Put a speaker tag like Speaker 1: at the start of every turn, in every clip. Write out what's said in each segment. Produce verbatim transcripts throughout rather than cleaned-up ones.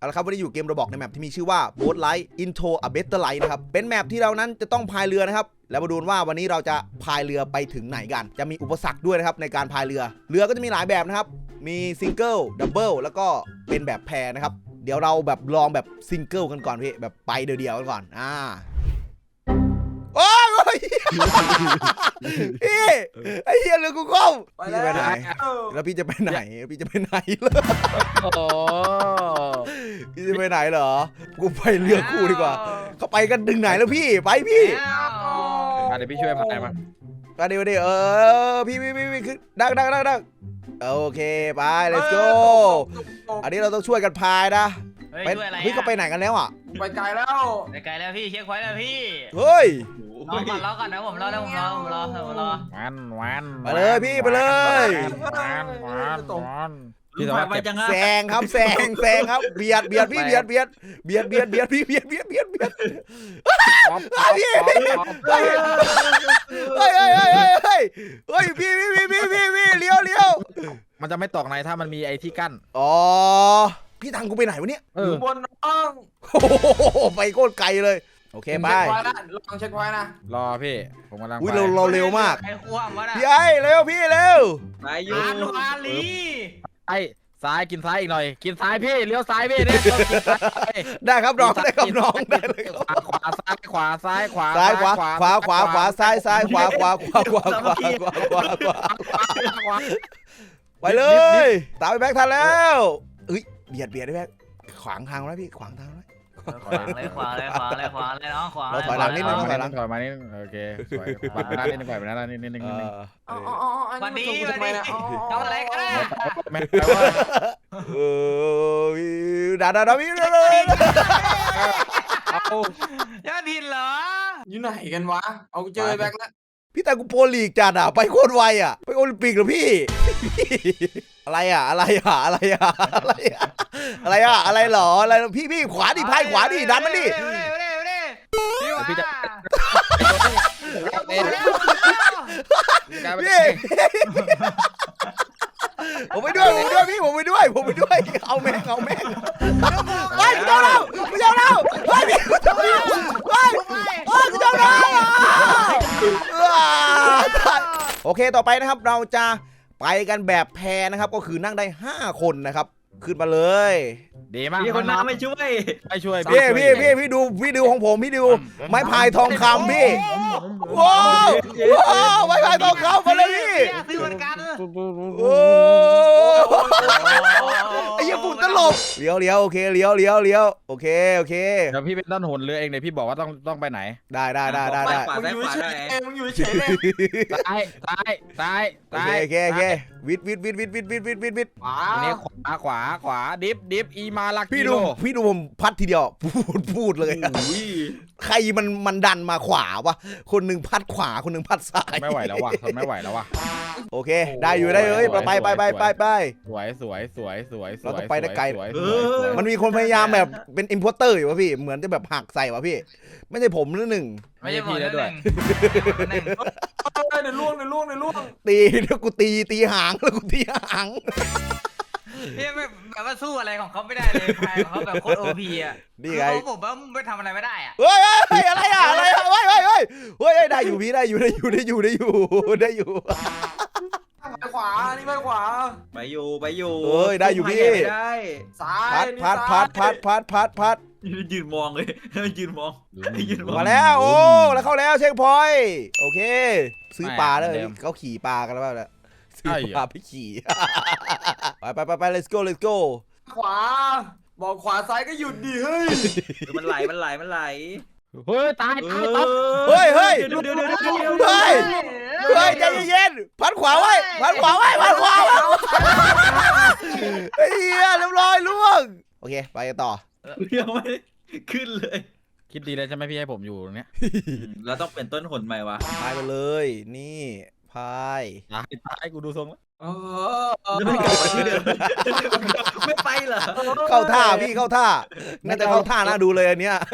Speaker 1: เอาละครับวันนี้อยู่เกมระบอกในแมปที่มีชื่อว่า Boat Light Into a Better Life นะครับเป็นแมปที่เรานั้นจะต้องพายเรือนะครับแล้วมาดูว่าวันนี้เราจะพายเรือไปถึงไหนกันจะมีอุปสรรคด้วยนะครับในการพายเรือเรือก็จะมีหลายแบบนะครับมีซิงเกิลดับเบิลแล้วก็เป็นแบบแพรนะครับเดี๋ยวเราแบบลองแบบซิงเกิลกันก่อนพี่แบบไปเดียวๆกันก่อนอ่าโอ้ยพี่ไอ้เหี้ยเรือกูก้มพี่จะไปไหนแล้วพี่จะไปไหนพี่จะไปไหนเลยโอ้พี่จะไปไหนเหรอกูไปเรือคู่ดีกว่าเขาไปกันถึงไหนแล้วพี่ไปพี่
Speaker 2: เดี๋ยวพี่ช่วยพายมา
Speaker 1: มาเดี๋ยวเดี๋ยวเออพี่พี่พี่คือดังดังดังดังโอเคไป let's go อันนี้เราต้องช่วยกันพายนะไปเฮ้ยเขาไปไหนกันแล้วอ่ะ
Speaker 3: ไปไกลแล้ว
Speaker 4: ไปไกลแล้วพี่เช็คไว้แล้วพี่
Speaker 1: เฮ้ย
Speaker 4: รอก่อนรอก่อนนะผมรอแล้วผมรอผมรอผมรอ
Speaker 2: วันวัน
Speaker 1: ไปเลยพี่ไปเลย
Speaker 2: วันวันวัน
Speaker 4: พี่ไปจัง
Speaker 1: แซงครับแซงแซงครับเบียดเบียดพี่เบียดเบียดเบียดเบียดเบียดพี่เบียดเบียดเบียดเบียดพี่เฮ้ยเฮ้ยเฮ้ยเฮ้ยเฮ้ยเฮ้ยพี่พี่พี่พี่พี่พี่เลี้ยวเลี้ยว
Speaker 2: มันจะไม่ตกในถ้ามันมีไอ้ที่กั้น
Speaker 1: อ๋อพี่ทางกูไปไหนวะเนี่ย
Speaker 3: อยู่บนน้อง
Speaker 1: โอ้โหไปโคตรไกลเลยโอเคไป
Speaker 3: ลองเช็คไว้นะ
Speaker 2: รอพี่ผมกำลัง
Speaker 1: อุ้ยเราเราเร็วมาก
Speaker 4: ไอ้ขวามวะนะ
Speaker 1: พี่ไอ้เร็วพี่เร็ว
Speaker 4: ไปยูอาลี
Speaker 2: ไอ้ซ้ายกินซ้ายอีกหน่อยกินซ้ายพี่เลี้ยวซ้ายพี่เนี่ย
Speaker 1: ได้ครับน้องได้ครับน้องได้เลย
Speaker 2: ขวาซ้ายขวาซ้ายขวา
Speaker 1: ซ้ายขวาขวาขวาขวาซ้ายซ้ายขวาขวาขวาขวาขวาขวาขวาขวาขวาไปเลยตามไปแบ็คทันแล้วเฮ้ยเบียดเบียดได้แบ็คขวางทางแล้วพี่ขวางทางแล้ว
Speaker 4: ขวางเลยขวางเลยขวางเลยขวางเลยน้องขวาง
Speaker 1: เราถอยหลังนิดนึงถอยหลัง
Speaker 2: ถอยมานิดโอเคถอยไปหน้านิดนึงไปหน้านิดนึงนิดนึง
Speaker 3: อ๋ออ๋อ
Speaker 4: วันนี้วันนี้ทำอะไรกัน
Speaker 2: แม่แปลว่า
Speaker 1: เออด่าด่าด่าพี่เลย
Speaker 4: เอายอดหินเหรอ
Speaker 3: อยู่ไหนกันวะเอาเจอแบ็คแล้ว
Speaker 1: พี่แต่กูโปรลีกจัดอ่ะไปโคตรไวอ่ะไปโอลิมปิกเหรอพี่อะไรอ่ะอะไรอ่ะอะไรอ่ะอะไรอ่ะอะไรอ่ะอะไรหรออะไรพี่พี่ขวาดิพายขวาดิดันมันดิ
Speaker 4: พี่จะ
Speaker 1: พี่ผมไปด้วยผมไปด้วยพี่ผมไปด้วยผมไปด้วยเอาแม่งเอาแม่งไปกูเจ้าเรากูเจ้าเราไปพี่กูเจ้าเราไปโอ้กูเจ้าเราโอเคต่อไปนะครับเราจะไปกันแบบแพนะครับก็คือนั่งได้ห้าคนนะครับขึ้นมาเลย
Speaker 2: ดีมาก
Speaker 4: พี่คนน้ำไม่ช่วย
Speaker 2: ไม่ช่วย
Speaker 1: พี่พี่พี่พี่ดูพี่ดูของผมพี่ดูไม้พายทองคำพี่ว้าวว้าวไม้พายทองคำมาเลยพี่
Speaker 4: ซื้อเหมือนกัน
Speaker 1: โอ้ไอ้ยังปุ่นตลบเลี้ยวเลี้ยวโอเคเลี้ยวเลี้ยวเลี้ยวโอเคโอเค
Speaker 2: เดี๋ยวพี่เป็นต้นหนเรือเองเดี๋ยวพี่บอกว่าต้องต้องไปไหน
Speaker 1: ได้ได้ได้ได้ได้
Speaker 3: มึงอยู่เฉยมึงอยู่เฉยเลย
Speaker 2: ซ้ายซ้ายซ้าย
Speaker 1: ซ้ายโอเคโอเควิดวิดวิดวิดวิดวิดวิดวิดวิด
Speaker 3: ขวา
Speaker 2: เนี่ยขวาขวาขวาดิฟดิฟอีมาลัก
Speaker 1: พี่ดูพี่ดูผมพัดทีเดียวพูดพูดเลยใครมันมันดันมาขวาวะคนหนึ่งพัดขวาคนหนึ่งพัดซ้าย
Speaker 2: ไม่ไหวแล้วว่ะทนไม่ไหวแล้วว่ะ
Speaker 1: โอเคได้อยู่ได้เลยไปไปไปไปไป
Speaker 2: สวยสวยสวยสวย
Speaker 1: เราต้องไปได้ไกลมันมีคนพยายามแบบเป็นอิมพอร์เตอร์อยู่วะพี่เหมือนจะแบบหักใส่วะพี่ไม่ใช่ผมหนึ่ง
Speaker 4: ไม่ใช่พี่แล้วด้วย
Speaker 3: ในล่วงในล่วงในล่วง
Speaker 1: ตีแล้วกูตีตีหางแล้วกูตีหาง
Speaker 4: พี่ไม่แบบว่าสู้อะไรของเขาไม่ได้เลยพายของเขาแบบโคตรโอพีอ่ะ
Speaker 1: นี่ไง
Speaker 4: ผมว่าไม่ทำอะไรไม่ได้อ่ะ
Speaker 1: เฮ้ยเฮ้ยอะไรอ่ะอะไรอ่ะเฮ้ยเฮ้ยเฮ้ยเฮ้ยได้อยู่พี่ได้อยู่ได้อยู่ได้อยู่ได้อยู่ได้อยู่
Speaker 3: ไปขวานี่ไปขวา
Speaker 4: ไปอยู่ไปอยู่
Speaker 1: เฮ้ยได้อยู่พี่
Speaker 3: ได้ซ้าย
Speaker 1: พัดพัดพัดพัดพัดพัด
Speaker 4: ยืนมองเลยยืนมอง
Speaker 1: ยืนมองมาแล้วโอ้แล้วเข้าแล้วเช็คพอยต์โอเคซื้อปลาเลยเขาขี่ปลากันแล้วเนี่ยซื้อปลาไปขี่ไปไปไปไป let's go let's go
Speaker 3: ขวาบอกขวาซ้ายก็หยุดดิเฮ้ย
Speaker 4: มันไหลมันไหลมันไหล
Speaker 2: เฮ้ยตายตายตาย
Speaker 1: เฮ้ยเฮ้ยเฮ้ยเฮ้ยใจเย็นๆพัดขวาไว้พัดขวาไว้พัดขวาไว้เฮียเรียบร้อยล่วงโอเคไปกันต่อ
Speaker 4: ยังไม่ขึ้นเลย
Speaker 2: คิดดีเลยใช่ไหมพี่ให้ผมอยู่ตรงนี้
Speaker 4: เราต้องเปลี่ยนต้นหนใหม่วะ
Speaker 1: พายไปเลยนี่พาย
Speaker 2: ตายตายกูดูทรงแล้ว
Speaker 4: ไม่กลับมาที่เดิมไม่ไปเหรอ
Speaker 1: เข้าท่าพี่เข้าท่าน่าจะเข้าท่าน่าดูเลยอันเนี้ย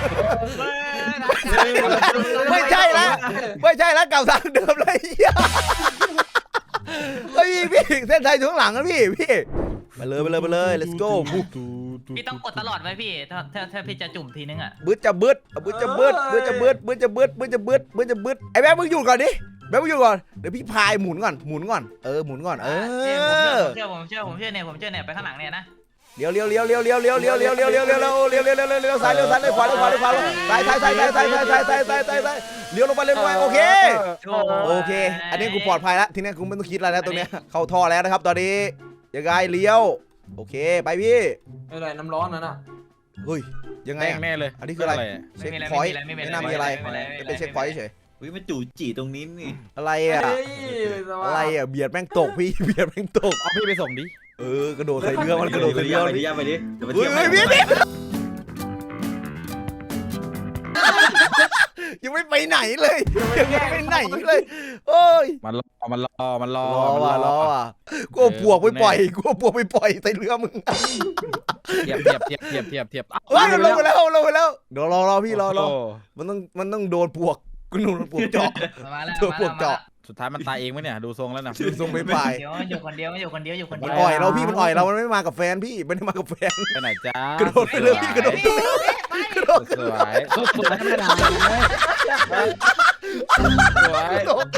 Speaker 1: ไม่ใช่แล้วไม่ใช่แล้วเก่าทางเดิมเลยเฮ้ยพี่เส้นชัยช่วงหลังนะพี่พี่ไปเลยไปเลยไปเลย let's go
Speaker 4: พี่ต้องกดตลอดไว้พี่ถ้าถ้าถ้าพี่จะจุ่มทีนึงอ่ะ
Speaker 1: บึ้ดจะบึ้ดบึ้ดจะบึ้ดบึ้ดจะบึ้ดบึ้ดจะบึ้ดบึ้ดจะบึ้ดบึ้ดจะบึ้ดไอ้แบ๊บมึงหยุดก่อนดิแบ๊บมึงหยุดก่อนเดี๋ยวพี่พายหมุนก่อนหมุนก่อนเออหมุนก่อนเออ
Speaker 4: ผมเชื่อผมเชื่อผมเชื่อเนี่ยผมเชื่อเนี่ยไปข้างหลังเนี่ยนะ
Speaker 1: เลี้ยวเลี้ยวเลี้ยวเลี้ยวเลี้ยวเลี้ยวเลี้ยวเลี้ยวเลี้ยวเลี้ยวเลี้ยวเลี้ยวเลี้ยวเลี้ยวเลี้ยวเลี้ยวซ้ายเลี้ยวซ้ายเลี้ยวขวาเลี้ยวขวาเลี้ยวขวาซ้ายซ้ายซ้ายซ้ายซ้ายซ้ายซ้ายซ้ายซ้ายซ้ายซ้ายเลี้ยวลงไปเลี้ยวลงไปโอเคโอเคอันนี้กูปลอดภัยแล้วทีนี้กูไม่ต้องคิดอะไรแล้วตรงเนี้ยเข้าท่อแล้วนะครับตอนนี้ยังไงเลี้ยวโอเคไปพี่
Speaker 3: ไม่ไรน้ำร้อนนั่นน่ะ
Speaker 1: เฮ้ยยังไง
Speaker 2: แม่งแน่เลย
Speaker 1: อันนี้คืออะไรเช็คพอยต์ไม่น่ามีอะไรเป็นเช็คพอยต์เฉย
Speaker 5: วิมันจู่จีตรงนี้นี่
Speaker 1: อะไรอ่ะ
Speaker 3: เฮ้ยสวัสดิ์
Speaker 1: อะไรอ่ะเบียดแม่งตกพี่เบียดแม่งตก
Speaker 2: เอาพี่ไปส่งดิ
Speaker 1: เออกระโดดใส่เรือมันกระโดด
Speaker 5: ไป
Speaker 1: ใส่
Speaker 5: ดิ
Speaker 1: เรือ
Speaker 5: ไปดิไปดิเดี๋ยวไป
Speaker 1: เฮ้
Speaker 5: เที่
Speaker 1: ย
Speaker 5: ยว
Speaker 1: เฮ้ยพี่พี่ยังไม่ไปไหนเลยยังไม่ไปไหนเลยโอ้ย
Speaker 2: มันรอมันรอมันรอ
Speaker 1: รอว่ะรอว่ะกูเอาปวกไปปล่อยกูเอาปวกไปปล่อยใส่เรือมึง
Speaker 2: เทียบเทียบเทียบเทียบเทียบเทียบ
Speaker 1: เฮ้ยมันลงไปแล้วลงไปแล้วเดี๋ยวรอรอพี่รอรอมันต้องมันต้องโดนปวกกูโดนปวกเจาะ
Speaker 4: มาแล้ว
Speaker 1: ตัวพวกเจาะ
Speaker 2: สุดท้ายมันตายเองไหมเนี่ยดูทรงแล้วนะ
Speaker 1: ดูทรงไม่ไป
Speaker 4: เดี๋ยวอยู่คนเดียวอยู่คนเดียวอยู่คนเดี
Speaker 1: มั
Speaker 4: ย
Speaker 1: น
Speaker 4: ว
Speaker 1: อ่อยเราพี่มันอ่อยเรามันไม่มากับแฟนพี่ไม่ได้มากับแฟน
Speaker 2: ไปไหนจ้าก
Speaker 1: ระโดดไปเลยพี่กระโดด กระโดด
Speaker 2: สวยสวยไม่ได้สวย
Speaker 1: กระโดด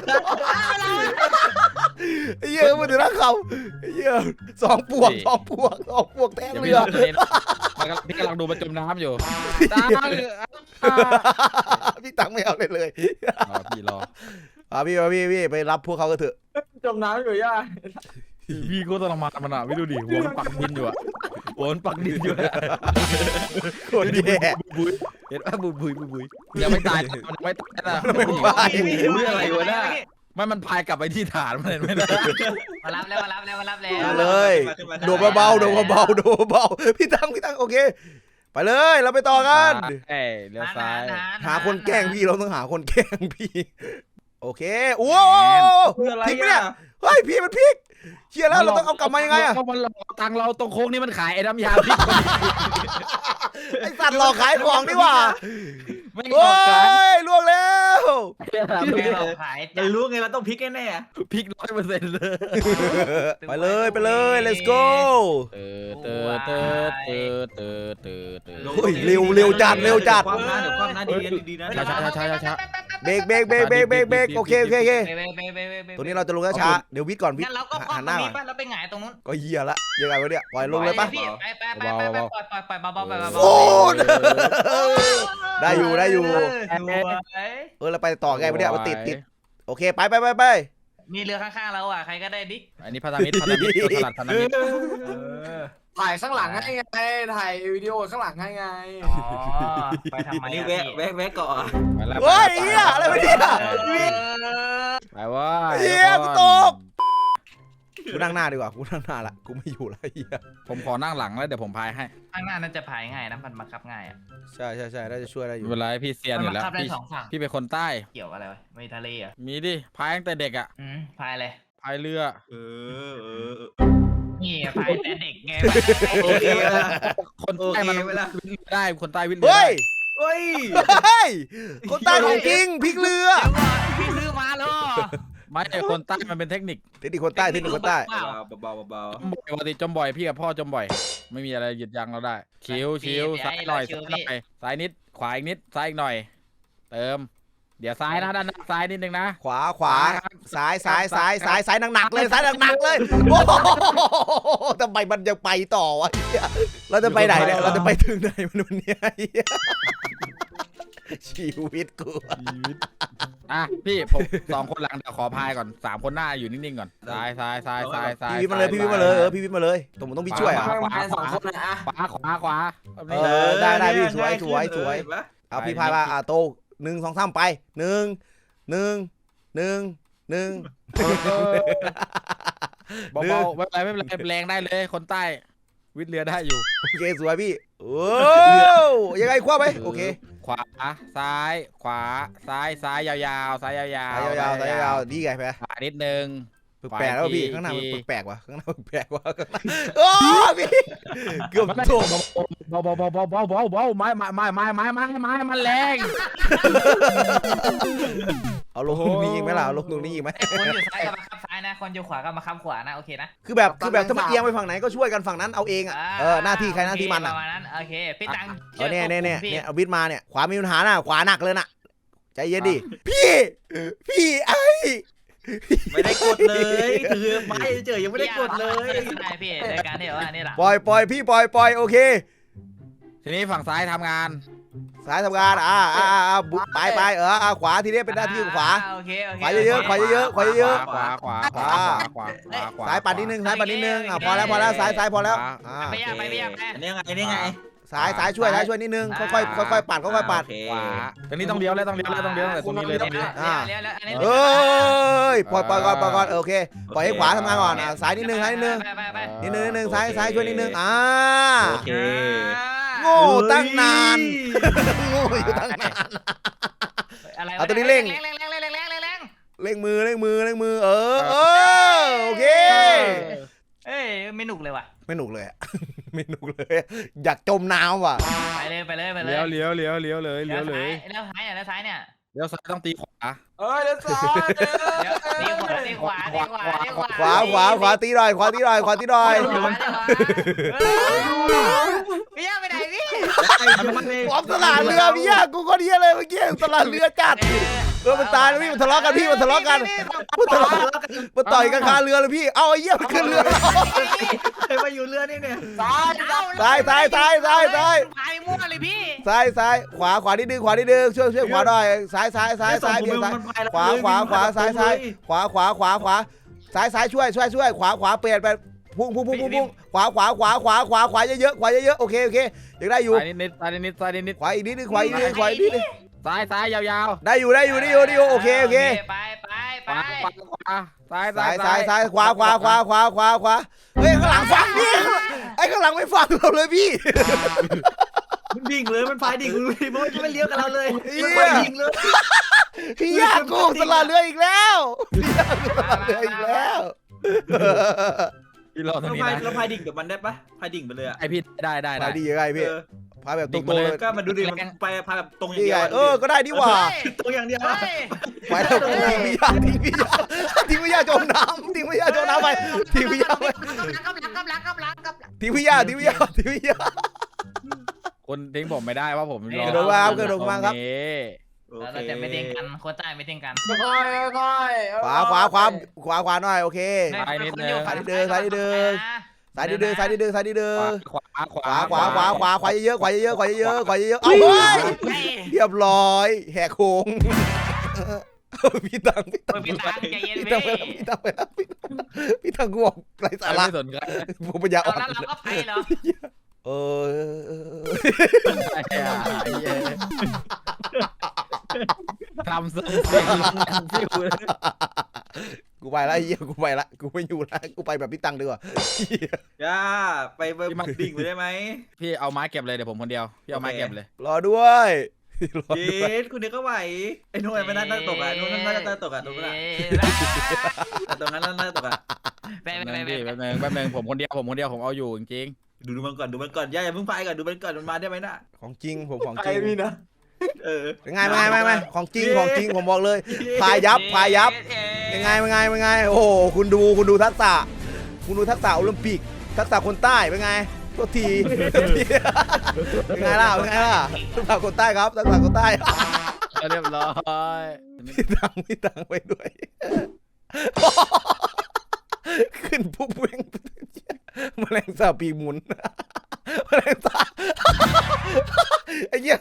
Speaker 1: ไอ้เหี้ยมันถึงรักเขาไอ้เหี้ยสองปวกสองปวกสองปวกแทง
Speaker 2: เดี๋ยว
Speaker 1: เรื
Speaker 2: พี่
Speaker 1: อ
Speaker 2: ตัวนี้พี่กำลังดูมันจมน้ำอยู่ตาย
Speaker 1: พี่ตังไม่เอาเลยเลย
Speaker 2: รอพี่รอ
Speaker 1: อ่ะพี่มาพี่พี่ไปรับพวกเขากันเถอะ
Speaker 3: จมน้ำอยู่ย่า
Speaker 2: พี่ก็ต้องมามันอ่ะพี่ดูดิหัวมันปักดินอยู่อ่ะหัวมันปักดินอยู่
Speaker 1: โคตรแย่
Speaker 2: บุยเห็นป่ะบุยบุยบุยยังไม่ตายมันไม่ตายนะ
Speaker 1: ไม่ตาย
Speaker 2: เรื่องอะไรวะเนี่ยไม่มันพายกลับไปที่ฐานมันเห็นไหมนะ
Speaker 4: มารับแล้วมารับแล้วมารับแล้ว
Speaker 1: มาเลยโดดเบาๆโดดเบาๆโดดเบาๆพี่ตังพี่ตังโอเค ไปเลยเราไปต่อกัน
Speaker 2: เอ้ยเลี้ยวซ้าย
Speaker 1: หาคนแกล้งพี่เราต้องหาคนแกล้งพี่โอเคโอ้โห
Speaker 5: คืออะไร
Speaker 1: พลิกไหมเนี่
Speaker 5: อ่ะ
Speaker 1: ยเฮ้ยพี่มันพลิกเชียร์แล้วเราต้องเอากลับมายังไงอะ
Speaker 2: มันหลอกตังเราตรงโค้งนี่มันขายไอ้น้ำยาพริก
Speaker 1: ไอสัตว์หลอกขายของนี่หว่า
Speaker 2: ไม่หล
Speaker 1: โอ้
Speaker 2: อกกัน
Speaker 1: ยล่วงแล้ว
Speaker 4: ไม่เราขาย
Speaker 5: เรารู้ไงเราต้องพลิกแน่
Speaker 2: พริกร้อยเปอร์เซ็นต์เลย
Speaker 1: ไปเลยไปเลย let's go
Speaker 2: เตอเตอเตอเตอเตอเตอเตอ
Speaker 1: เฮ้ยเร็วเร็วจัดเร็วจัด
Speaker 5: ความนะเดี๋ยวความนะดีนะดีนะ
Speaker 2: ช้าช้าช้าช้าช้า
Speaker 1: เบรกเบรกเบรกเบรกเบรกเบรกโอเคโอเคโอเค
Speaker 4: ไปไปไปไปไป
Speaker 1: ตัวนี้เราจะลงช้าๆเดี๋ยววิทย์ก่อนวิท
Speaker 4: งั้น
Speaker 1: ย์
Speaker 4: เราก็ป้อ
Speaker 1: หั
Speaker 4: ง
Speaker 1: น
Speaker 4: ต
Speaker 1: ห
Speaker 4: ร
Speaker 1: น้าง ก่อ
Speaker 4: นี้
Speaker 1: น
Speaker 4: ป่ะเราไปหงายตรงนู้น
Speaker 1: ก็เฮียละยังไงวะเนี่ยปล่อยลงเลยปะ
Speaker 4: ไปไปไปไปไปปล่อยปล่อยปล่อยเบาๆไปเบาๆ
Speaker 1: โอ้ได้อยู่ได้อยู่
Speaker 4: สวย
Speaker 1: เออเราไปต่อไงวะเนี่ยมันติดติดโอเคไปไปไปไป
Speaker 4: มีเรือข้างๆเราอ่ะใครก็ได้ดิ
Speaker 2: อันนี้พันธมิตรพันธมิตรตลาดพันธมิตร
Speaker 3: ถ่ายข้างหลังให้ไงถ่ายวิดีโอข้างหลังให้ไง
Speaker 4: อ๋อไปทำไม
Speaker 5: อันนี้
Speaker 4: อ่ะ
Speaker 5: แวะแวะแวะเกาะ
Speaker 1: เฮ้ยเฮียอะไรวะเนี่ย
Speaker 2: ไปว่า
Speaker 1: เฮียกูตกกูนั่งหน้าดีกว่ากูนั่งหน้าละกูไม่อยู่ละเฮีย
Speaker 2: ผมขอนั่งหลังแล้วเดี๋ยวผมพายให้
Speaker 4: ข้างหน้าน่าจะพายง่ายนะมันบังคับง่ายอ่ะ
Speaker 1: ใช่ใช่ใช่น่าจะช่วยได้อยู่
Speaker 2: เวลาพี่เซียน
Speaker 4: มัน
Speaker 2: อยู่
Speaker 4: บัง
Speaker 2: แล้ว
Speaker 4: คับได้
Speaker 2: พี่
Speaker 4: สองฝั่ง
Speaker 2: พี่เป็นคนใต้
Speaker 4: เกี่ยวอะไรวะไม่ทะเลอ่ะ
Speaker 2: มีดิพายตั้งแต่เด็กอ่ะ
Speaker 4: อืมพายเลย
Speaker 2: พายเรือ
Speaker 5: เออเออ
Speaker 4: นี่พายแต่เด็กไง
Speaker 5: โอเคละ
Speaker 2: คนใต้มัน
Speaker 5: โอเคไหมล่ะ
Speaker 2: วิทย์ได้คนใต้วิทย์เรือ
Speaker 1: เฮ้ย
Speaker 5: เฮ้ย
Speaker 1: เฮ้ยคนใต้ของจริงพลิกเรือ
Speaker 4: เดี๋ยวก่อนพี่ซื้อมาเหรอ
Speaker 2: ไม่ใช่คนใต้มันเป็นเทคนิค
Speaker 1: เทคนิคคนใต้เทคนิคคนใต้
Speaker 5: เบาเบาเบา
Speaker 2: จมบ่อยปกติจมบ่อยพี่กับพ่อจมบ่อย ไม่มีอะไรหยุดยั้งเราได้ชิวชิวซ้ายหน่อยซ้ายหน่อยซ้ายนิดขวาอีกนิดซ้ายอีกหน่อย เติม เดี๋ยวซ้ายนะด้านหน้าซ้ายนิดนึงนะ
Speaker 1: ขวาขวาซ้ายซ้ายซ้ายซ้ายซ้ายหนักๆเลยซ้ายหนักๆเลยโอ้โหทำไมมันยังไปต่อวะเหี้ยเราจะไปไหนเนี่ยเราจะไปถึงไหนมันวันนี้เหี้ยชีวิตกู
Speaker 2: อ่ะพี่ผมสองคนหลังเดี๋ยวขอพายก่อนสามคนหน้าอยู่นิ่งๆก่อนซ้ายซ้ายซ้ายซ้ายซ้าย
Speaker 1: พี่วิทย์มาเลยพี่วิทย์มาเลยเออพี่วิทย์มาเลยตรงผมต้องพี่ช่วยอ่ะ
Speaker 3: ไม่มาสองคนนะอ่ะ
Speaker 2: ขวาขวาขวา
Speaker 1: เออได้ได้พี่สวยสวยสวยเอาพี่พายมาอ่ะโตหนึ่งสองสามไปหนึ่งหนึ่งหนึ่งหนึ่ง
Speaker 2: เบาๆไม่เป็นไรไม่เป็นไรแรงได้เลยคนใต้วิทย์เรือได้อยู่
Speaker 1: โอเคสวยพี่โอ้ยังไงคว้าไปโอเค
Speaker 2: ขวาซ้ายขวาซ้ายซ้ายยาวๆซ้ายยาว
Speaker 1: สายยาวๆสายยาวๆดีไงไป
Speaker 2: ขวานิดนึง
Speaker 1: แปลกๆแล้วพี่
Speaker 2: อีก
Speaker 1: ข้างหน้า
Speaker 2: ที
Speaker 1: มันแปลกๆว่ะข้างหน้ามันแปลกว่ะโอ้พี่เกือบโถม
Speaker 2: เบาเบาเบาเบาเบาเบาเบาไม้ไม้ไม้ไม้ไม้ไม้ไม้มันแรง
Speaker 1: เอาลงตรงนี้อีกไหมล่ะเอาลงตรงนี้อีกไหม
Speaker 4: คนอยู่ซ้ายกับบังคับซ้ายนะ คนอยู่ขวาก็มาค้ำขวานะโอเคนะ
Speaker 1: คือแบบคือแบบถ้ามันเอียงไปฝั่งไหนก็ช่วยกันฝั่งนั้นเอาเองอ่ะเออหน้าที่ใครหน้าที่มัน
Speaker 4: ป
Speaker 1: อ่ะ
Speaker 4: ระมาณนั้นโอเคพี่ตัง
Speaker 1: เออเนี่ยเนี่ยเนี่ย
Speaker 4: พี่
Speaker 1: เนี่ยเอาวิทย์มาเนี่ยขวามีปัญหาน่ะขวาหนักเลยน่ะใจเย็นดิพี่พี่ไอ้
Speaker 5: ไม่ได้กดเลยถือไม้เฉยยังไม่ได้กดเลย
Speaker 4: ใช่พี่ในการที่แบบว่านี่แหละ
Speaker 1: ปล่อยปล่อยพี่ปล่อยปล่อยโอเค
Speaker 2: ทีนี้ฝั่งซ้ายทำงาน
Speaker 1: สายทำงานอ่าอ่าอ่าบุไปไปเอออ่าขวาทีนี้เป็นหน้าที่ของขวา
Speaker 4: โอเคโอเค
Speaker 1: ขวาเยอะๆขวาเยอะๆขวาเยอะ
Speaker 2: ขวาขวาขวาขวาขวาขวา
Speaker 1: ๆสายปัดนิดนึงสายปัดนิดนึงอ่าพอแล้วพอแล้วสายสายพอแล้วอ่า
Speaker 4: ไปยากไปยากไป
Speaker 5: อันนี้ไงอันนี้ไง
Speaker 1: สายสายช่วยสายช่วยนิดนึงค่อยๆค่อยๆปัดค่อยๆปัด
Speaker 5: โอเค
Speaker 2: ขวาตรงนี้ต้องเลี้ยวแล้วต้องเลี้ยวแล้วต้องเลี้ยวแต่ตรงนี้เลยตรงนี้
Speaker 1: อ่า
Speaker 4: เลี้ยวแล้วอันนี้
Speaker 1: เอ้ยปล่อยปล่อยก่อนปล่อยก่อนโอเคปล่อยให้ขวาทำงานก่อนอ่าสายนิดนึงสายนิดนึง
Speaker 4: ไปไปไป
Speaker 1: นิดนึงนิดนึงซ้ายซ้ายช่วยนิดนึงอ่า
Speaker 5: โอเค
Speaker 1: โง่ตั้งนานโง่อยู่ตั้งนาน
Speaker 4: อะไร
Speaker 1: เอาตัวนี้เร่ง
Speaker 4: เร่งเร่งเร่งเร่งเร่งเร่งเร่งเร่ง
Speaker 1: เร่งมือเร่งมือเร่งมือเออเออโอเค
Speaker 4: เอ้ยไม่หนุกเลยว่ะ
Speaker 1: ไม่หนุกเลยอะ ไม่หนุกเลยอยากจมน้ำว่ะ
Speaker 4: ไปเลยไปเลยไปเลย
Speaker 2: เลี้ยวเลี้ยวเลี้ยวเลี้ยวเลยเลี้ยวเลย
Speaker 4: แล้วซ้ายเนี่ยแล้วซ้ายเนี่ย
Speaker 2: เลี้ยวซ้ายต้องตีขวา
Speaker 3: เอ้ยเดี๋ยวสอน
Speaker 4: ตีขวาตีขวาตีขวาตีขวา
Speaker 1: ขวาขวาขวาตีหน่อยขวาตีหน่อยขวาตีหน่อย
Speaker 4: พี่ย่าไปไหนพี่
Speaker 1: พร้อมตลาดเรือพี่ยากูก็เดียเลยเมื่อกี้ตลาดเรือจัดเออมันตายแล้วพี่มันทะเลาะกันพี่มันทะเลาะกันมันทะเลาะกันมันต่อยกันคาเรือเลยพี่เอาไอ้เหี้ยมันขึ้นเรือ
Speaker 5: เคยมาอยู่เรือนี่เนี่ย
Speaker 3: ซ้าย
Speaker 1: ซ้ายซ้ายซ้ายซ้ายซ้าย
Speaker 4: พายมั่วเลยพี่
Speaker 1: ซ้ายซ้ายขวาขวานิดนึงขวานิดนึงช่วยช่วยขวาหน่อยซ้ายซ้ายซ้ายซ้ายเบี่ยงซ้ายขวาขวาขวาซ้ายซ้ายขวาขวาขวาขวาซ้ายซ้ายช่วยช่วยช่วยขวาขวาเปลี่ยนไปพุ่งพุ่งพุ่งพุ่งพุ่งขวาขวาขวาขวาขวาขวาเยอะๆขวาเยอะๆโอเคโอเคยังได้อยู่
Speaker 2: ซ้ายนิดนิดซ้ายนิดนิดซ้ายนิดนิด
Speaker 1: ขวาอีกนิดนึงขวาอีกนิดนึงขวาอีกนิดนึง
Speaker 2: ซ้ายซ้ายยาว
Speaker 1: ได้อยู่ได้อยู่ได้อยู่ได้อยู่โอเคโอเค
Speaker 4: ไปไป
Speaker 2: ๆ
Speaker 4: ไป
Speaker 2: ขวาขวาขวาซ้าย
Speaker 1: ซ้ายซ้ายซ้ายขวาขวาขวาขวาขวาขวาเฮ้ยข้างหลังฟังพี่ไอ้ข้างหลังไม่ฟังเราเลยพี่
Speaker 5: มันดิ่งเลยมันพายดิ่งเลยเพราะมันไม่เลี้ยวกับเราเลยมันพายดิ่งเลย
Speaker 1: พี่ยากกูตลาดเรืออีกแล้วพี่ยากกูตลาดเรืออีกแล้ว
Speaker 2: พี่รอตร
Speaker 5: เรา
Speaker 2: งนี้
Speaker 5: พาย
Speaker 2: นะ
Speaker 5: เราพายดิ่งกับมันได้ปะพายดิ่งไปเลยอะ
Speaker 2: ไอพี่ได้ได้
Speaker 1: พา
Speaker 2: ได้
Speaker 1: ยดียังไงพี่
Speaker 5: เออ
Speaker 1: พายแบบต
Speaker 2: ดิ่
Speaker 1: รง
Speaker 2: งมา
Speaker 1: ๆ
Speaker 2: เล
Speaker 1: เลย ย
Speaker 5: ก็มันดูดิมันไปพายแบบตรงอย่าง
Speaker 1: นี่
Speaker 5: เดีย
Speaker 1: ไง
Speaker 5: ว
Speaker 1: เออก็ได้ดีหว่า
Speaker 5: ตรงอย่างเดียว
Speaker 1: ไปแล้วทิ้งพี่ยาทิ้งพี่ยาทิ้งพี่ยาจมน้ำทิ้งพี่ยาจมน้ำไปทิ้งพี่ยาไป
Speaker 4: กำลังกำลังกำลังกำลังกำลัง
Speaker 1: ทิ้งพี่ยาทิ้งพี่ยาทิ้งพี่ยา
Speaker 2: คนทิ้งผมไม่ได้ว่าผมรอก
Speaker 1: ระโดดมาครับกระโดดมาครับ
Speaker 4: เราจะไม่ทิ้งกันคนใต้ไม่ทิ้งกัน
Speaker 3: ค่อยค่อย
Speaker 1: ขวาขวาขวาขวาขวาหน่อยโอเค
Speaker 2: ซ้ายนิดนึง
Speaker 1: ซ้ายนิดนึงซ้ายนิดนึงซ้ายนิดนึงซ้ายนิดนึงซ้ายนิดนึง
Speaker 2: ขวาขวา
Speaker 1: ขวาขวาขวาขวาขวาเยอะๆขวาเยอะๆขวาเยอะๆขวาเยอะๆเอาเฮ้ยเรียบร้อยแหกโค้งพี่ตังพี่ตัง
Speaker 4: พี่ตังใจเย็น
Speaker 1: พี่
Speaker 4: พี่
Speaker 1: ตังไปแล้วพี่ตังไปแล้วพี่ตังพี่ตังกูบอกไรสาระ
Speaker 2: ไม่สนใจ
Speaker 1: ผมปัญญาอ่
Speaker 4: เอา
Speaker 1: อน
Speaker 4: แล้วเราก็ไปเหรอ
Speaker 1: เออ
Speaker 2: ทำซึ่งเสียงฟิว
Speaker 1: กูไปละเฮียกูไปละกูไม่อยู่ละกูไปแบบพี่ตังดีกว่า
Speaker 5: ย่าไปไปดิ่งไปได้ไหม
Speaker 2: พี่เอาไม้เก็บเลยเดี๋ยวผมคนเดียวพี่เอาไม้เก็บเลย
Speaker 1: รอด้วยรอ
Speaker 5: เย
Speaker 1: ด้วย
Speaker 5: สคุณเดียวก็ไหวไอ้นุ่นมันน่าตกอ่ะนุ่นน่าจะตกอ่ะตรงนั้นแต่ตรงนั้นน่าจะตกอ่ะ
Speaker 4: ไป
Speaker 2: แป๊บ
Speaker 4: ไป
Speaker 2: นึง
Speaker 4: ไป
Speaker 2: พี่แป๊บนึงแป๊บนึงผมคนเดียวผมคนเดียวผมเอาอยู่จริง
Speaker 5: ดูดูมันก่อนดูมันก่อนย่าอย่าเพิ่งพายก่อนดูมันก่อนมันมาได้ไหมน่ะ
Speaker 1: ของจริงผมของ
Speaker 3: ใค
Speaker 1: จ
Speaker 3: ร
Speaker 1: ริง
Speaker 3: มีนะ
Speaker 5: เออ
Speaker 1: ยังไงยังไงยังไงของจริงของจริงผมบอกเลยพายยับพายยับยังไงยังไงยังไงโอ้โหคุณดูคุณดูทักษะคุณดูทักษะโอลิมปิกทักษะคนใต้เป็นไงตัวทีเป็นไงล่ะเป็นไงล่ะทักษะคนใต้ครับทักษะคนใต้
Speaker 2: ๆเรียบร้อย
Speaker 1: พี่ตังพี่ตังไปด้วย ขึ้นปุ๊บเว้งแมลงสาบปีกหมุนแมลงสาบไอ้เหี้ย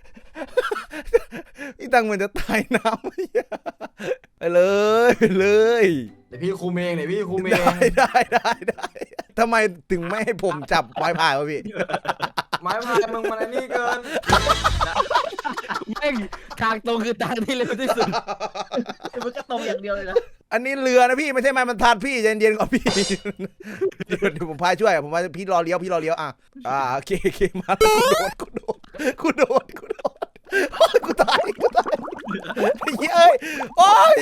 Speaker 1: พี่ตังเหมือนจะตายน้ำไอ้เหี้ยไปเลยไปเลย
Speaker 3: เดี๋ยวพี่คุมเองเดี๋ยวพี่คุมเอ
Speaker 1: ได้
Speaker 3: ง
Speaker 1: ได้ได้ได้ทำไมถึงไม่ให้ผมจับไม้พายวะพี่
Speaker 3: ไม้พายมึงมันไอ้นี่เกิน
Speaker 2: แม่งทางตรงคือทางที่เร็วที่สุด
Speaker 5: มันก็ตรงอย่างเดียวเลยนะ
Speaker 1: อันนี้เรือนะพี่ไม่ใช่ไม้บรรทัดพี่เย็นๆก่อนพี่เดี๋ยวเดี๋ยวผมพายช่วยผมพายพี่รอเลี้ยวพี่รอเลี้ยวอ่ะอ่าโอเคโอเคมาแล้วกูโดดกูโดดกูโดดกูโดดโอ้ยกูตายกูตายไอ้เหี้ยเอ้ยโอ้ย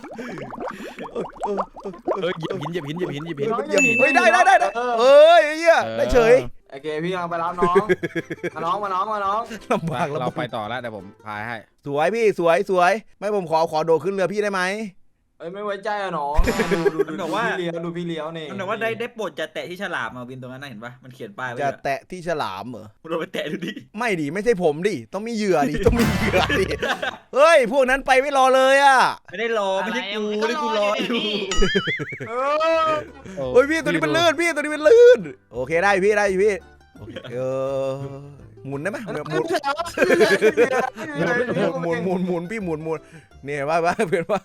Speaker 2: เฮ้ยเหยียบหินเหยียบหินเหยียบหินเหยียบหิน
Speaker 1: เยี่ยมเฮ้ยได้ได้ได้ได้เอ้ยไอ้เหี้ยได้เฉย
Speaker 3: โอเคพี่กำลังไปรับน้องมาน้องมาน้องมาน้อง
Speaker 1: ลำบากลำ
Speaker 2: เรา
Speaker 1: บาก
Speaker 2: ไปต่อแล้วเดี๋ยวผมพายให้
Speaker 1: สวยพี่สวยสวยไม่ผมขอขอโดดขึ้นเรือพี่ได้ไหม
Speaker 3: เอ้ยไม่ไว้ใจอะน้องดูดูดูดูพี่เลี้ยวดูพี่เลี้ยวนี่
Speaker 5: มันบอกว่าได้ได้โปรดจะแตะที่ฉลามมาวินตรงนั้นนะเห็นปะมันเขียนป้ายไว้
Speaker 1: จะแตะที่ฉลามเหรอ
Speaker 5: เราไปแตะดูดิ
Speaker 1: ไม่ดิไม่ใช่ผมดิต้องมีเหยื่อดิต้องมีเหยื่อดิเฮ้ยพวกนั้นไปไม่รอเลยอ่ะ
Speaker 5: ไม่ได้รอไม่ใช่กูไม่ได้กูรออยู่
Speaker 3: เออ
Speaker 1: เฮ้ยพี่ตัวนี้มันลื่นพี่ตัวนี้มันลื่นโอเคได้พี่ได้พี่โอเคเออหมุนได้ไหมหมุนหมุนหมุนหมุนหมุนพี่หมุนหมุนเนี่ยว่าว่าเพื่อนว่า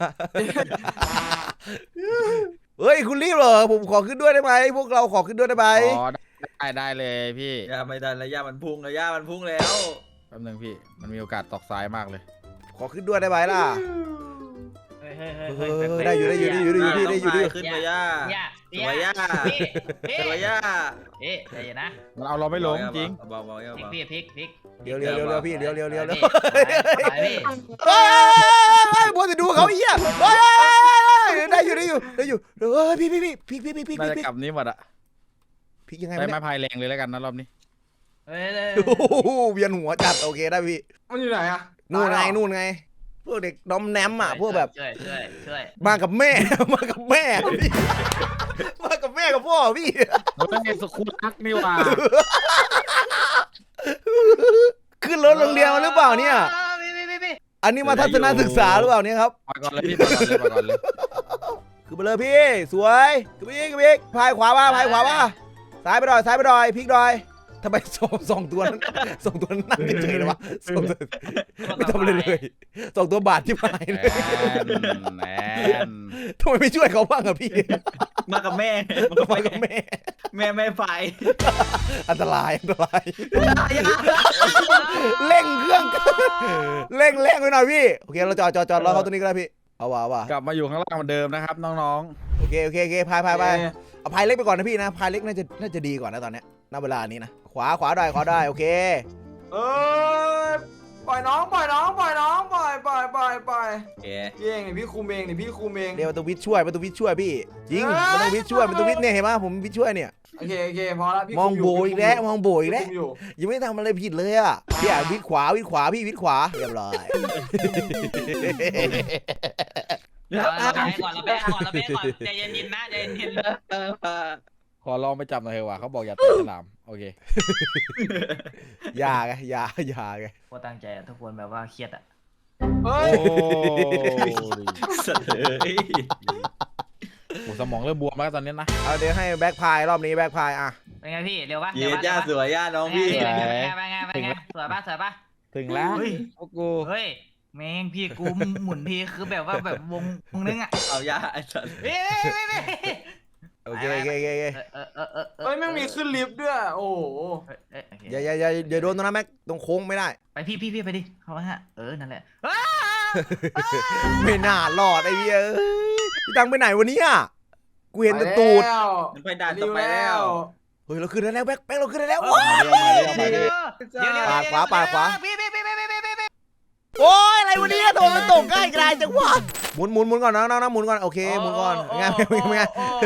Speaker 1: เฮ้ยคุณรีบเหรอผมขอขึ้นด้วยได้ไหมพวกเราขอขึ้นด้วยได้ไหม
Speaker 2: อ๋อได้ได้เลยพี่
Speaker 5: ย่าไม่ได้แล้วย่ามันพุ่งแล้วย่ามันพุ่งแล้ว
Speaker 2: แป๊บนึงพี่มันมีโอกาสตกซ้ายมากเลย
Speaker 1: ขอขึ้นด้วยได้ไหมล่ะ
Speaker 4: เฮ้ยเฮ้ยเฮ้ย
Speaker 1: เอ
Speaker 4: เฮ้ย
Speaker 1: อได้อยู่ได้อยู่ได้อยู่ได้อยู่พี่ได้อยู่ได้อยู่
Speaker 5: ขึ้นไปย่า
Speaker 4: ย่า
Speaker 5: สวยย่า
Speaker 4: พี่พี่
Speaker 5: สวยย่า
Speaker 4: เอ๊ะใจเย็นนะ
Speaker 2: มันเอาเราไม่ลงจริง
Speaker 5: เบาเบาย่า
Speaker 4: พลิก
Speaker 5: เบา
Speaker 4: พี่พลิกพลิก
Speaker 1: เดี๋ยวเดี๋ยวเดี๋ยวเดี๋ยวพี่เดี๋ยวเดี๋ยวเดี๋ยวเดี๋ยว
Speaker 4: ไปพี่
Speaker 1: เฮ้ยบัวจะดูเขาไอ้เหี้ยเฮ้ยได้อยู่ได้อยู่ได้อยู่เฮ้ยพี่พี่พี่พี่พี่พี่พี่
Speaker 2: น่าจะ
Speaker 1: พี่
Speaker 2: กลับนี้หมดอะ
Speaker 1: พี่ยังไง
Speaker 2: ใช้
Speaker 1: วะ
Speaker 2: ไม้
Speaker 1: เนี่ย
Speaker 2: พายแรงเลยแล้วกันนะรอบนี้
Speaker 4: เฮ้ยเลย
Speaker 1: โอ้โหเวียนหัวจัดโอเคได้พี่
Speaker 3: มันอยู่ไหนอะ
Speaker 1: นู่นไงนู่นไงพวกเด็กดอมแนมอ่ะพวกแบบ
Speaker 4: ช่วยช่วยช่วย
Speaker 1: มากับแม่ มากับแม่พี่มากับแม่กับพ่อพี่
Speaker 2: เฮ้ยสุขุรักนี่หว่า
Speaker 1: ขึ้นรถโรงเรียนมาหรือเปล่าเนี่ย
Speaker 4: พี่พี่พี่พี่
Speaker 1: อันนี้มาทัศนศึกษาหรือเปล่าเนี่ยครับ
Speaker 2: ไปก่อนเลยพี่ไปก่อนเลยไปก่อนเลย
Speaker 1: คือไปเลยพี่สวยคือพี่คือพี่พายขวาว่าพายขวาว่าซ้ายไปหน่อยซ้ายไปหน่อยพลิกหน่อยทำไมสองสองตัวนั้นสองตัวนั้นนั่งเฉยๆเลยวะสองตัวไม่ทำอะไรเลยสองตัวบาดที่พายเลย
Speaker 2: แอน
Speaker 1: ทำไมไม่ช่วยเขาบ้างอะพี่
Speaker 5: มากับแม่มากับ
Speaker 1: ไปกับแม่
Speaker 5: แม่แม่ไฟ
Speaker 1: อันตรายอันตรายเร่งเครื่องเร่งเร่งไปหน่อยพี่โอเคเราจอดจอดจอดรอเขาตัวนี้ก็ได้พี่เอาว่ะเอาว่ะ
Speaker 2: กลับมาอยู่ข้างล่างเหมือนเดิมนะครับน้อง
Speaker 1: โอเคโอเคโอเคพายพายพายเอาพายเล็กไปก่อนนะพี่นะพายเล็กน่าจะน่าจะดีกว่านะตอนเนี้ยณเวลานี้นะขวาขวาได้ขวาได้โอเค
Speaker 3: เออปล่อยน้องปล่อยน้องปล่อยน้องปล่อยปล่อยปล่อยปล่อย
Speaker 5: โอเค
Speaker 3: พี่เองนี่พี่คุมเองนี่พี่คุมเอง
Speaker 1: เดี๋ยวประตูวิทย์ช่วยประตูวิทย์ช่วยพี่จริง
Speaker 3: เอ้ย
Speaker 1: ประตูวิทย์ช่วยประตูวิทย์เนี่ยเห็นไหมผมวิทย์ช่วยเนี่ย
Speaker 3: โอเคโอเคพอแล้วพี่
Speaker 1: มอง
Speaker 3: คุยู่
Speaker 1: โบอีกแล้วมองโบอีกแล้ว
Speaker 3: คุมอยู่
Speaker 1: ยังไม่ได้ทำอะไรผิดเลยอ่ะพี่อ่ะวิทย์ขวาวิทย์ขวาพี่วิทย์ขวาเรียบร้อย
Speaker 4: เราแพ้ก่อนเราแพ้ก่อนเราแพ้ก่อนใจเย็นๆนะใจเย็น
Speaker 2: ๆขอลองไปจับหน่อยเถอะว่ะเขาบอกอย่าเตะฉลามโอเค
Speaker 1: อยาไงอยาอยาไง
Speaker 4: ๆพอตั้งใจทุกคนแบบว่าเครียดอ่ะ
Speaker 3: เฮ้
Speaker 2: โอ้
Speaker 3: ย
Speaker 5: สัตว์เอ้ย
Speaker 2: โหสมองเริ่มบวมแล้วตอนนี้นะ
Speaker 1: เอาเดี๋ยวให้แบ็คพายรอบนี้แบ็คพายอ่ะ
Speaker 4: เป็นไงพี่เร็วปะ
Speaker 5: เย็ดย่าสวยย่าน้องพี่
Speaker 4: เป็นไงเป็นไงเป็นไงสวยปะสวยปะ
Speaker 2: ถึงแล้วพวกกู
Speaker 4: เฮ้ยแม่งพี่กูหมุนพี่คือแบบว่าแบบวงวงนึงอ่ะ
Speaker 5: เอาย่าไอ้สัตว์
Speaker 4: เฮ้ย
Speaker 1: โอเคโอเคโอเคโอเค
Speaker 4: เออเออเออ
Speaker 3: เฮ้ยแม่งมีขึ้นลิฟต์ด้วยโอ้โห
Speaker 1: อย่าอย่าอย่าอย่าโดนตรงนั้นแม็กตรงโค้งไม่ได้
Speaker 4: ไปพี่พี่พี่ไปดิเขาฮะเออนั่นแหละ
Speaker 1: ไม่น่ารอดไอ้เหี้ยเอ้ยพี่ตังไปไหนวันนี้อ่ะกูเห็นแต่ตูด
Speaker 3: แล้ว
Speaker 5: มันไปด่านต่อไปแล้ว
Speaker 1: เฮ้ยเราขึ้นได้แล้วแบ็คแบ็คเราขึ้นได้แล้ว
Speaker 2: มาเรียวมาเรียวมาเรียว
Speaker 4: เดี๋ยวเดี๋ยว
Speaker 1: ปาดขวาปาดขวา
Speaker 4: พี่พี่พี่พี่พี่พี่พี่
Speaker 1: โอ้ยอะไรวันนี้โดนมันตกง่ายกลายจังวะหมุนหมุนหมุนก่อนนะนะหมุนก่อนโอเคหมุนก่อนง่ายไม่ไม่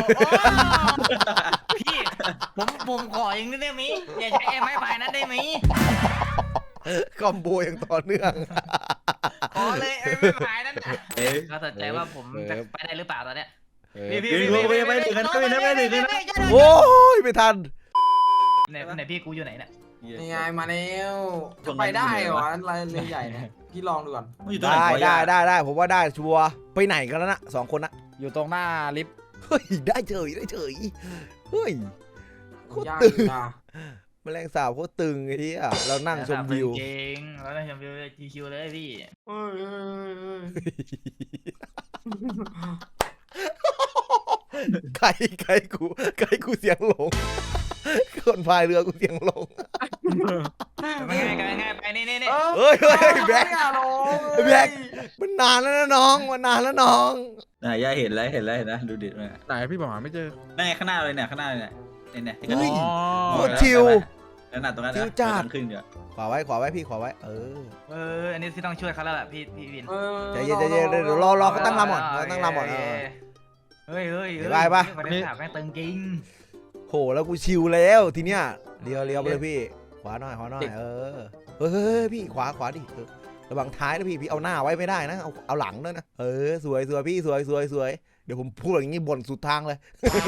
Speaker 4: พี่ผมผมขออย่างนี้ได้ไหมอย่าใช้ไม้พายนั้นได้ไหม
Speaker 1: คอมโบอย่างต่อเนื่อง
Speaker 4: ขอเลยไม้พายนั้น
Speaker 5: เอ้ย
Speaker 4: เขาสนใจว่าผมจะไปได้หรือเปล่าตอนเนี้ย
Speaker 2: เออ
Speaker 5: พี่พี่พี่ไปถึงกันไปนะไปถึงกันนะ
Speaker 1: โอ้ยไม่ทัน
Speaker 4: ไหนไหนพี่กูอยู่ไหนเนี่ย
Speaker 3: นี่ไงมาแล้วจะไปได้เหรออะไรเลยใหญ่เนี่ยพี่ลองดูก่อน
Speaker 5: มันอยู่ตรงไหน
Speaker 1: ได้
Speaker 5: วะ
Speaker 1: ได้
Speaker 5: ย่า
Speaker 1: ได้ได้ผมว่าได้ชัวร์ไปไหนกันแล้วนะสองคนนะ
Speaker 2: อยู่ตรงหน้าลิฟต์
Speaker 1: เฮ้ยได้เฉยได้เฉยเฮ้ยโคตร
Speaker 3: ยาก
Speaker 1: ตึง
Speaker 3: นะ
Speaker 1: แมลงสาบโคตรตึงไอ้ที่อ่ะเรานั่งชมวิว
Speaker 4: จริงเรานั่งชมวิวชิวๆเลยพี่
Speaker 3: เฮ้ยเฮ้ยเฮ้ย
Speaker 1: ใครใครกูใครกูเสียงหลงคนพายเรือกูเสียงหลง
Speaker 4: เป็นไงเป็นไงไปนี่นี่นี่
Speaker 1: เฮ้ยเฮ้ยแบ็ค
Speaker 3: อย่าลง
Speaker 1: แบ็ค มันนานแล้วนะน้องมันนานแล้วน้อง
Speaker 5: น่ะย่าเห็นแล้วเห็นแล้วเห็นแล้วดูดิมัน
Speaker 2: ไหนพี่บอกหาไม่เจอ
Speaker 5: นั่นไงข้างหน้าเลยเนี่ยข้างหน้าเลยเนี่ยเนี่ยที่กระ
Speaker 1: เฮ้
Speaker 5: ดิ่
Speaker 1: ย
Speaker 5: ง
Speaker 1: โคตรชิล
Speaker 5: นั่นน่ะตรงนั้น
Speaker 1: ชิลจัด
Speaker 5: ขึ้นเดี๋ยว
Speaker 1: ขวาไว้ขวาไว้พี่ขวาไว้เออ
Speaker 4: เอออันนี้ที่ต้องช่วยเขาแล้วแหละพี่พี่วิน
Speaker 3: เออ
Speaker 1: ใจเย็นใจเย็นเดี๋ยวรอรอเขาตั้งลำก่อนเขาตั้งลำก่อนเออ
Speaker 4: เฮ้ยเฮ้ย
Speaker 1: ไปปะ
Speaker 4: ประเด็นถามแม่งตึงจริง
Speaker 1: โหแล้วกูชิลแล้วทีเนี้ยเลี้ยวเลี้ยวไปเลยพี่ขวาหน่อยขวาหน่อยเออเฮ้ยเฮ้ยพี่ขวาขวาดิเออระวังท้ายนะพี่พี่เอาหน้าไว้ไม่ได้นะเอาเอาหลังด้วยนะเออสวยสวยพี่สวยสวยสวยเดี๋ยวผมพูดอย่างนี้บ่นสุดทางเลย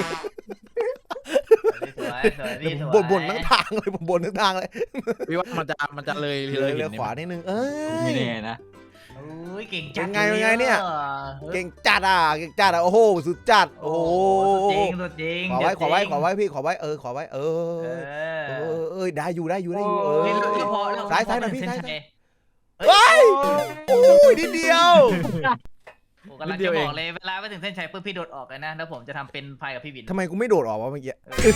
Speaker 4: สวยสวย
Speaker 1: เดี๋ยว
Speaker 4: พี่
Speaker 1: ผ
Speaker 4: ส
Speaker 1: ม
Speaker 4: วย
Speaker 1: บ่นบ่นทั้งทางเลยผมบ่นทั้งทางเลย
Speaker 2: พี่ว่ามันจะมันจะเลย
Speaker 1: เล
Speaker 2: เลย ย
Speaker 1: เลี้
Speaker 2: หิ
Speaker 1: ยวน
Speaker 2: นี่
Speaker 1: ขวา
Speaker 2: มั้ย
Speaker 1: นิดนึงเอ้
Speaker 5: ไม่
Speaker 1: ย
Speaker 5: แน่นะ
Speaker 4: โอ้ยเก่งจัด
Speaker 1: เป็นไงเป็นไงเนี่ย
Speaker 4: ออ
Speaker 1: เก่งจัดอ่ะเก่งจัดอ่ะโอ้โหสุดจัดโอ้โห
Speaker 4: สุดจริงสุดจริง
Speaker 1: ขอไว้ขอไว้
Speaker 4: สุดจริง
Speaker 1: ขอไว้พี่ขอไว้เออขอไว้เอ
Speaker 4: เอ
Speaker 1: อ
Speaker 4: อ
Speaker 1: เออเออได้อยู่ได้อยู่ได้อยู่เอ
Speaker 4: เฮ้ย
Speaker 1: อ
Speaker 4: เราเราพอเรา
Speaker 1: ซ้ายซ้ายหน่อย
Speaker 4: พ
Speaker 1: พี่
Speaker 4: เส้
Speaker 1: ซ้าย
Speaker 4: ชั
Speaker 1: เฮ้ยโอ้ยนิดเดียว
Speaker 4: โอ้กำลังจะบอกเลยเวลาไปถึงเส้นชัยปุ๊บพี่โดดออกเลยนะแล้วผมจะทำเป็นพายกับพี่วิน
Speaker 1: ทำไมกูไม่โดดออกวะเมื่อกี้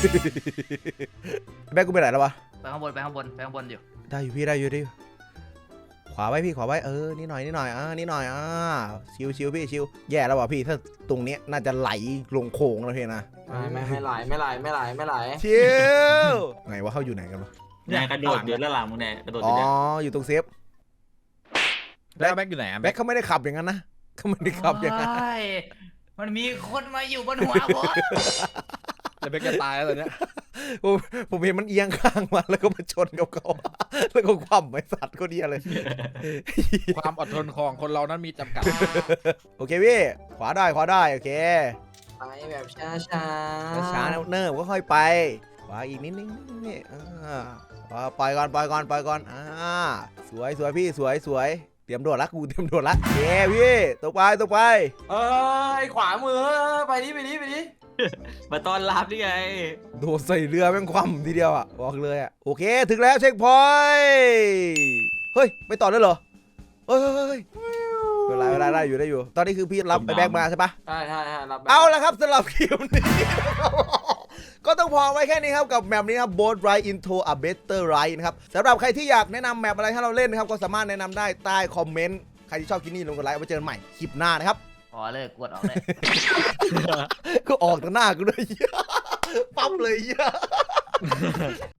Speaker 1: แม่กูไปไหนแล้ววะ
Speaker 4: ไปข้างบนไปข้างบนไปข้างบนอยู่
Speaker 1: ได้อยู่พี่ได้อยู่ได้อยู่ขวาไว้พี่ขวาไว้เออนี่หน่อยนี่หน่อยอ่านี่หน่อยอ่าชิวชิวพี่ชิวแย่แล้วว่ะพี่ถ้าตรงเนี้ยน่าจะไหลลงโค้งแล้วพี่นะ
Speaker 3: ไม่ไม่ไม่ไหลไม่ไหลไม่ไหลไม่ไหล
Speaker 1: ชิวไงวะเขาอยู่ไหนกันวะ
Speaker 5: เนี่ยกระโดดอยู่ด้านหลังมึงเนี่ยกระโดดอ
Speaker 1: อ๋อยู่
Speaker 5: เนี่ย
Speaker 1: อยู่ตรงเซฟ
Speaker 2: แล้วแบ็คอยู่ไหนอะ
Speaker 1: แบ็คเขาไม่ได้ขับอย่างนั้นนะเขาไม่ได้ขับอย่างนั้น
Speaker 4: โอ้ยมันมีคนมาอยู่บนหัวผม
Speaker 2: แล้วแบ็คจะตายแล้วตอนเนี้ย
Speaker 1: ผมผมเห็นมันเอียงข้างมาแล้วก็มาชนกับเขาแล้วก็คว่ำไอ้สัตว์ก็เดียเลย
Speaker 2: ความอดทนของคนเรานั้นมีจำกัด
Speaker 1: โอเคพี่ขวาได้ขวาได้โอเค
Speaker 3: ไปแบบช้าช้า
Speaker 1: ช้าๆเนิบๆก็ค่อยไปขวาอีกนิดนึงนี่อ่าอ่าปล่อยก่อนปล่อยก่อนปล่อยก่อนอ่าสวยสวยพี่สวยสวยเตรียมโดดละกูเตรียมโดดละเย้พี่ตกไปตกไป
Speaker 3: เอ้ยขวามือไปดิไปดิไปดิ
Speaker 5: มาต้อนรับนี่ไง
Speaker 1: โดดใส่เรือแม่งคว่ำทีเดียวอ่ะบอกเลยอ่ะโอเคถึงแล้วเช็คพอยต์เฮ้ยไปต่อได้เหรอเฮ้ยเฮ้ยเฮ้ยเวลาเวลาได้อยู่ได้อยู่ ตอนนี้คือพี่รับไปแบกมาใช่ปะ
Speaker 3: ใช่ใช่ใช่รับแบบ
Speaker 1: เอาละครับสำหรับคลิปนี้ ก็ต้องพอไว้แค่นี้ครับกับแมปนี้ครับ Boat Ride into a Better Ride นะครับสำหรับใครที่อยากแนะนำแมปอะไรให้เราเล่นนะครับก็สามารถแนะนำได้ใต้คอมเมนต์ใครที่ชอบคลิปนี้ลงกดไลค์เอาไว้เจอกันใหม่คลิปหน้านะครับ
Speaker 4: พอเลิกกวดออกเลย
Speaker 1: ก็ออกต่อหน้ากูด้วย ปั๊บเลย